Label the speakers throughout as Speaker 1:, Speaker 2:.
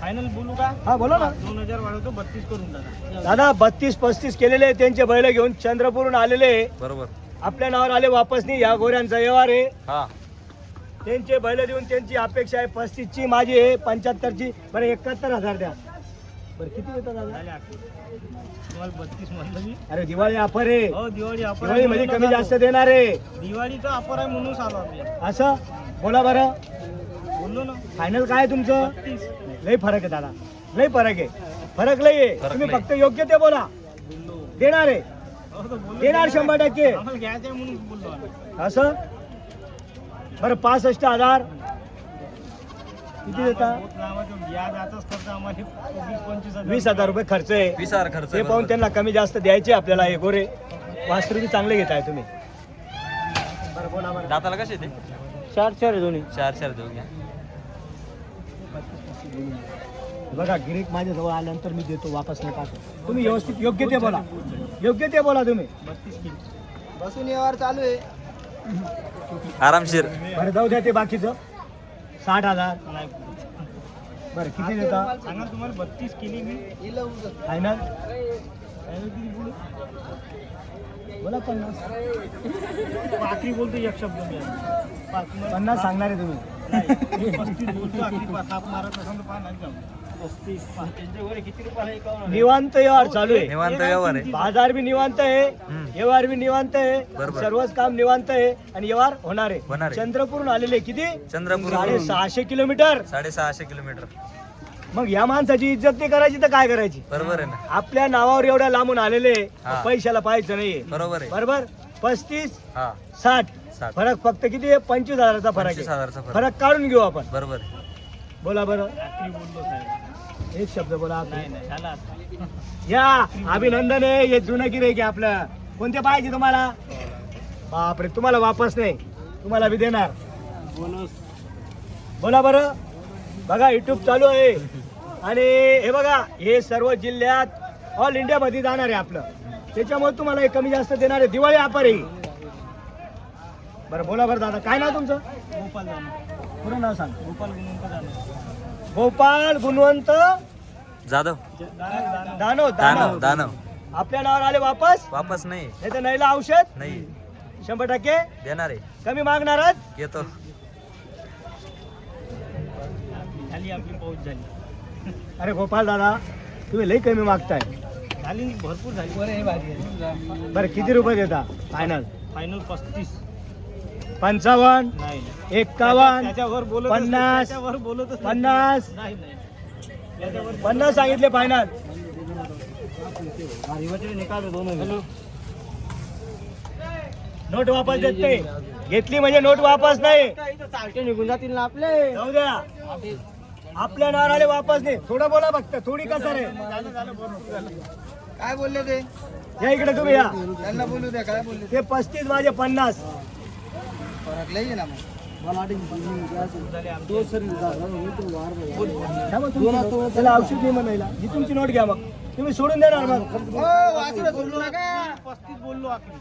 Speaker 1: Final बोलू का?
Speaker 2: हा बोला ना.
Speaker 1: 2000 वाढवतो, 32 करून टाका
Speaker 2: दादा. 32-35 केलेले त्यांचे बैल घेऊन चंद्रपूरहून आलेले.
Speaker 3: बरोबर.
Speaker 2: आपल्या नावावर आले वापस नाही. या गोऱ्यांचा व्यवहार आहे.
Speaker 3: हा
Speaker 2: त्यांचे बैल देऊन त्यांची अपेक्षा आहे 35ची, माझी आहे 75ची. बरं 71,000 द्या. बरं किती देतात दादा?
Speaker 1: झाले 8. तुम्हाला 32 म्हणलं मी.
Speaker 2: अरे दिवाळी ऑफर आहे.
Speaker 1: हो दिवाळी ऑफर
Speaker 2: दिवाळी मध्ये कमी जास्त देणार आहे.
Speaker 1: दिवाळीचा ऑफर आहे म्हणून आलो आम्ही.
Speaker 2: असं बोला बरं.
Speaker 1: बोललो ना.
Speaker 2: फायनल काय आहे तुमचं?
Speaker 1: 32.
Speaker 2: लय फरक आहे दादा. लय फरक आहे. फरक लय आहे.
Speaker 3: फरक
Speaker 2: तुम्ही
Speaker 3: लय.
Speaker 2: फक्त योग्य ते बोला.
Speaker 1: बोललो.
Speaker 2: देणार आहे.
Speaker 1: हो तर बोललो.
Speaker 2: देणार 100%.
Speaker 1: आम्हाला घ्यायचं आहे म्हणून बोललो आम्ही.
Speaker 2: असं बरं 65,000 किती देता?
Speaker 1: बहुत लांबाचं व्याज आताच खर्च आम्हाला 20-25
Speaker 2: 20,000 रुपये खर्च आहे.
Speaker 3: 20,000 खर्च
Speaker 2: हे
Speaker 3: आहे,
Speaker 2: पाहून
Speaker 3: बरोबर.
Speaker 2: त्यांना कमी जास्त द्यायचे आपल्याला. हे गोरे वासरू बी चांगले घेताय तुम्ही. बरं बोला बरं.
Speaker 3: दाताला कसे ते?
Speaker 2: 4 आहे दोन्ही.
Speaker 3: 4 देऊ घ्या.
Speaker 2: बघा गिरीक माझ्याजवळ आल्यानंतर मी देतो, वापस नाही टाकतो. तुम्ही व्यवस्थित योग्य ते बोला. योग्य ते बोला तुम्ही.
Speaker 1: 32 किलो.
Speaker 4: बसून व्यवहार चालू आहे.
Speaker 3: आरामशीर.
Speaker 2: बरं जाऊ द्या ते बाकीचं. 60,000
Speaker 1: नाही
Speaker 2: बरं किती देता?
Speaker 1: सांगा तुम्हाला 32 केली मी.
Speaker 4: हिला उगत.
Speaker 2: फायनल
Speaker 1: फायनल किती बोलू?
Speaker 2: बोला 50.
Speaker 1: आखरी बोलतो एक शब्द मी.
Speaker 2: 50 सांगणार आहे तुम्ही.
Speaker 1: 35 बोलतो आखरी. थाप मारत असेल तर पहा नाही जाऊ. 35 त्यांच्यावर किती रुपयाला एकावन्न?
Speaker 2: निवांत व्यवहार चालू आहे.
Speaker 3: निवांत व्यवहार आहे.
Speaker 2: बाजार बी निवांत आहे.
Speaker 3: हम्म.
Speaker 2: व्यवहार बी निवांत आहे.
Speaker 3: बरोबर.
Speaker 2: सर्वच काम निवांत आहे आणि व्यवहार होणार
Speaker 3: होणार
Speaker 2: आहे.
Speaker 3: आहे.
Speaker 2: चंद्रपूरहून आलेले किती?
Speaker 3: चंद्रपूर
Speaker 2: 650 किलोमीटर.
Speaker 3: 650 किलोमीटर.
Speaker 2: मग या माणसाची इज्जत नाही करायची तर काय करायची?
Speaker 3: बरोबर आहे ना.
Speaker 2: आपल्या नावावर एवढ्या लांबून आलेले
Speaker 3: हा.
Speaker 2: पैशाला पाहायचं नाहीये.
Speaker 3: बरोबर आहे.
Speaker 2: बरोबर. 35
Speaker 3: हा
Speaker 2: 60
Speaker 3: 60.
Speaker 2: फरक फक्त किती आहे? 25,000चा फरक आहे.
Speaker 3: 25,000चा फरक.
Speaker 2: फरक काढून घेऊ आपण.
Speaker 3: बरोबर आहे.
Speaker 2: बोला बरं.
Speaker 1: आखरी बोललो साहेब.
Speaker 2: एक शब्द बोला.
Speaker 1: नाही नाही झाला.
Speaker 2: या अभिनंदन आहे. हे जुनं गिऱ्हाईक आहे आपलं. कोणते पाहिजे तुम्हाला? बापरे तुम्हाला वापस नाही. तुम्हाला बी देणार.
Speaker 1: बोनस.
Speaker 2: बोला बरं. बघा युट्यूब चालू आहे आणि हे बघा हे सर्व जिल्ह्यात ऑल इंडिया मध्ये जाणार आहे आपलं. त्याच्यामुळे तुम्हाला हे कमी जास्त देणार आहे. दिवाळी ऑफर आहे. बरं बोला बरं दादा. काय नाव तुमचं?
Speaker 1: गोपाल जाणार.
Speaker 2: पूर्ण नाव सांग.
Speaker 1: गोपाल गुणवंत जाणार.
Speaker 2: गोपाल गुणवंत
Speaker 3: जाधव.
Speaker 1: जाणार.
Speaker 2: दानव.
Speaker 3: दानव. दानव.
Speaker 2: आपल्या नावावर आले वापस.
Speaker 3: वापस नाही.
Speaker 2: नाही तर नाहीला औषध
Speaker 3: नाही
Speaker 2: 100%
Speaker 3: देणार आहे.
Speaker 2: कमी मागणार आहात.
Speaker 3: येतो.
Speaker 1: झाली आपली पाऊस झाली.
Speaker 2: अरे गोपाल दादा तुम्ही लई कमी मागताय.
Speaker 1: झाली नाही, भरपूर झाली.
Speaker 2: बरं किती रुपये देता? Final
Speaker 1: final 35.
Speaker 2: 55
Speaker 1: नाही
Speaker 2: 51
Speaker 1: त्याच्यावर बोलत
Speaker 2: 50
Speaker 1: त्याच्यावर बोलतच
Speaker 2: 50
Speaker 1: नाही नाही त्याच्यावर
Speaker 2: 50 सांगितले फायनल.
Speaker 1: निकाल दोन.
Speaker 2: नोट वापस देत नाही. घेतली म्हणजे नोट वापस नाही.
Speaker 1: चालते निघून जातील ना आपले.
Speaker 2: जाऊ द्या. आपल्या नावावर आले वापस नाही. थोडं बोला फक्त. थोडी कसं रे.
Speaker 4: काय बोलले ते?
Speaker 2: या इकडे तुम्ही या.
Speaker 4: त्यांना बोलू द्या. काय बोलले?
Speaker 2: ते 35 माझे 50.
Speaker 4: फरक लई आहे ना मग.
Speaker 2: त्याला औषध नाही म्हणायला. ही तुमची नोट घ्या मग. तुम्ही सोडून देणार मग.
Speaker 4: हो, वासरं सोडू नका.
Speaker 1: 35 बोललो आखरी.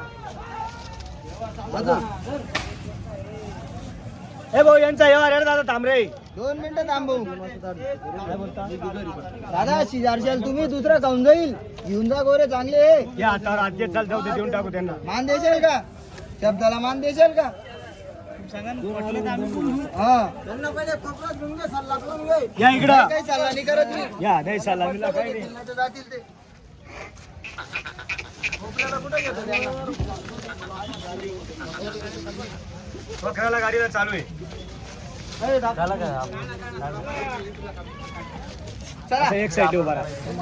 Speaker 2: हे भाऊ यांचा व्यवहार आहे दादा. थांबरे
Speaker 4: 2 मिनिटं थांबू.
Speaker 2: काय बोलता?
Speaker 4: दादा शेजारशाल तुम्ही दुसरा खाऊन जाईल. घेऊन जा गोरे चांगले.
Speaker 2: या हातावर आद्य चाल. जाऊ दे देऊन टाकू त्यांना.
Speaker 4: मान देशाल का? शब्दाला मान देशाल का?
Speaker 1: सांगा ना, पटलं तर आम्ही बोलू.
Speaker 4: हा. त्यांना पहिले खपरात घेऊन घे, सल्ला करून घे.
Speaker 2: या इकडं.
Speaker 4: काही सल्ला नाही करत मी.
Speaker 2: या नाही साला मिला काही नाही.
Speaker 4: नाही तर जातील ते. खोकल्याला कुठं घेतो त्यांना?
Speaker 2: बकराला गाडीला चालू आहे.
Speaker 4: अरे दादा.
Speaker 3: झाला का?
Speaker 4: चला.
Speaker 2: असं एक साईड उभा राहा.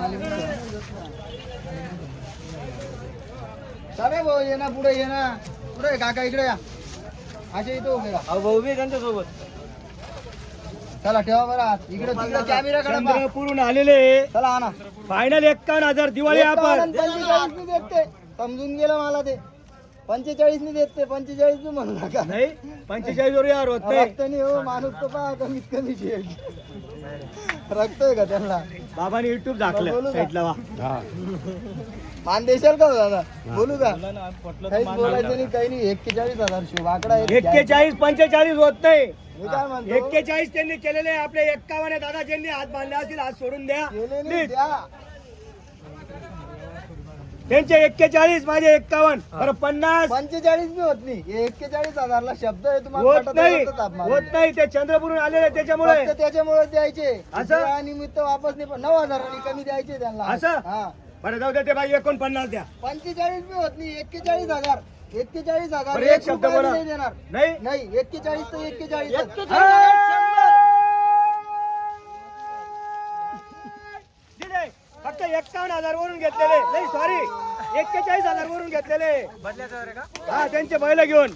Speaker 4: चालेल भाऊ ये ना पुढे ये ना. पुढे काका इकडे या. असे इथं उभे राहा.
Speaker 1: भाऊ बी त्यांच्या सोबत.
Speaker 4: चला ठेवा बरं हात. इकडे तिकडे कॅमेरा कडे पहा.
Speaker 2: चंद्रपूरहून आलेले
Speaker 4: चला आणा.
Speaker 2: फायनल 51,000 दिवाळी आपण.
Speaker 4: 45 नाही देत ते. समजून गेलं मला ते. 45 नाही देत ते. 45 बी म्हणू नका.
Speaker 2: नाही 45 वर यार होत नाही.
Speaker 4: रक्त नाही हो. माणूस तो पहा कमीत कमी रक्त आहे का त्यांना?
Speaker 2: बाबाने युट्यूब दाखलं साईडला वा.
Speaker 4: मान देशाल का हो दादा? बोलू का?
Speaker 1: बोला ना, पटलं तर
Speaker 4: काहीच
Speaker 1: मान
Speaker 4: बोलायचं नाही काही नाही. 41,000 शिव आकडा आहे.
Speaker 2: 41 45 होत नाही.
Speaker 4: मी काय म्हणतो
Speaker 2: 41 त्यांनी केलेले आपले 51 दादा ज्यांनी हात बांधले असतील हात सोडून द्या
Speaker 4: केले नाही,
Speaker 2: प्लीज.
Speaker 4: द्या.
Speaker 2: त्यांचे 41 माझे 51 बरं 50
Speaker 4: 45 बी होत नाही. हे 41,000 ला शब्द आहे तुम्हाला
Speaker 2: होत
Speaker 4: पटत
Speaker 2: नाही
Speaker 4: आहे का ताप मारून?
Speaker 2: होत नाही ते चंद्रपूरून आलेले त्याच्यामुळे
Speaker 4: फक्त त्याच्यामुळे द्यायचे
Speaker 2: असं?
Speaker 4: निमित्त वापस नाही पण 9,000 कमी द्यायचे त्यांना
Speaker 2: असं?
Speaker 4: हा
Speaker 2: बरं जाऊ दे ते बाई 49 द्या
Speaker 4: 45 बी होत नाही. 41,000 41,000
Speaker 2: बरं,
Speaker 4: एक
Speaker 2: एक शब्द
Speaker 4: रुपया
Speaker 2: बोला.
Speaker 4: नाही देणार.
Speaker 2: नाही
Speaker 4: नाही 41 तर 41
Speaker 2: दिले फक्त 51,000 वरून घेतलेले नाही सॉरी 41,000 वरून घेतलेले हा त्यांचे बैल घेऊन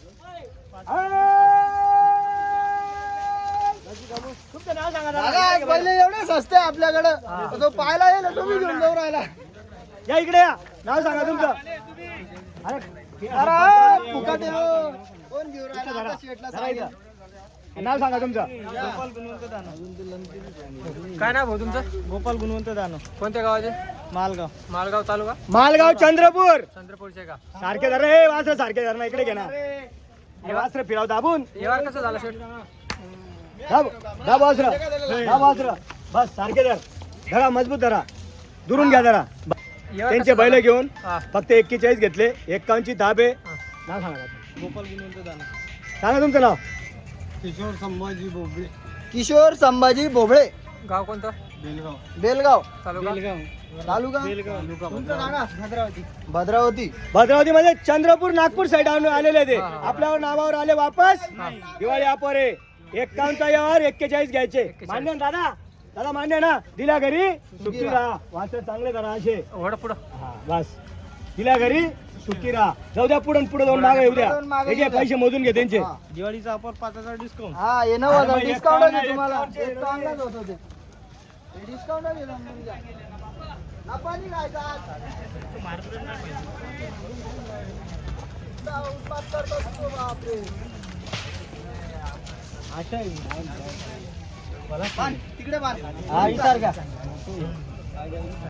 Speaker 2: तुमचं नाव सांगा
Speaker 4: दादा
Speaker 2: दादा.
Speaker 4: पहिले एवढे सस्ते आपल्याकडं तो पाहायला येईल तुम्ही घेऊन जाऊ राहिला.
Speaker 2: या इकडे या नाव सांगा तुमचं
Speaker 4: अरे फुकट आहे हो. कोण घेऊन राहिला आता शेटला सांगितलं.
Speaker 2: नाव सांगा तुमचं
Speaker 1: गोपाल गुणवंत दानव.
Speaker 3: काय नाव भाऊ तुमचं?
Speaker 1: गोपाल गुणवंत दानव,
Speaker 3: कोणत्या गावाचे?
Speaker 1: मालगाव.
Speaker 3: मालगाव तालुका
Speaker 2: मालगाव चंद्रपूर
Speaker 3: चंद्रपूरचे का?
Speaker 2: सारखे धर रे वासर सारखे धर ना इकडे घे ना हे वासर फिराव दाबून
Speaker 3: व्यवहार कसं झाला शेट?
Speaker 2: दाब दाब वासर दाब वासर बस सारखे धर धरा मजबूत धरा दुरून घ्या धरा त्यांचे बैल घेऊन
Speaker 3: हा.
Speaker 2: फक्त 41 घेतले 51 दाब आहे नाव सांगा
Speaker 1: गोपाल गुणवंत दानव.
Speaker 2: सांगा तुमचं नाव
Speaker 1: किशोर संभाजी बोबडे,
Speaker 4: किशोर संभाजी भोबळे,
Speaker 3: गाव कोणतं?
Speaker 1: बेलगाव.
Speaker 4: बेलगाव
Speaker 3: तालुका?
Speaker 4: तालुका
Speaker 1: बेलगाव.
Speaker 4: तुमचं सांगा. भद्रावती
Speaker 2: भद्रावती मध्ये चंद्रपूर नागपूर साईड आलेले ते
Speaker 3: हा, हा.
Speaker 2: आपल्यावर नावावर आले वापस दिवाळी ऑफर आहे 51 यावर 41 घ्यायचे मान्य ना दादा दादा मान्य ना दिल्या घरी सुट्टी राहा वासर चांगले करा असे
Speaker 3: वडा पुढं.
Speaker 2: हा, बस दिल्या घरी सुट्टी राहा जाऊ द्या पुढे पुढे जाऊन मागे येऊ द्या
Speaker 4: पुढं मागं
Speaker 2: हे घे,
Speaker 4: येऊ द्या.
Speaker 2: पैसे मोजून घे त्यांचे
Speaker 4: हा.
Speaker 1: दिवाळीचा ऑफर 5,000 डिस्काउंट.
Speaker 4: हा हे 9,000
Speaker 2: अरे मग
Speaker 4: डिस्काउंट
Speaker 2: एक
Speaker 4: आहे तुम्हाला
Speaker 2: काउंट आहे,
Speaker 4: एक काउंटच होत होते डिस्काउंट आहे समजून घ्या. नफा नाही खायचा आज. उत्पाद करतो तो बापरे. बांध, तिकडे बांध. हा विचार का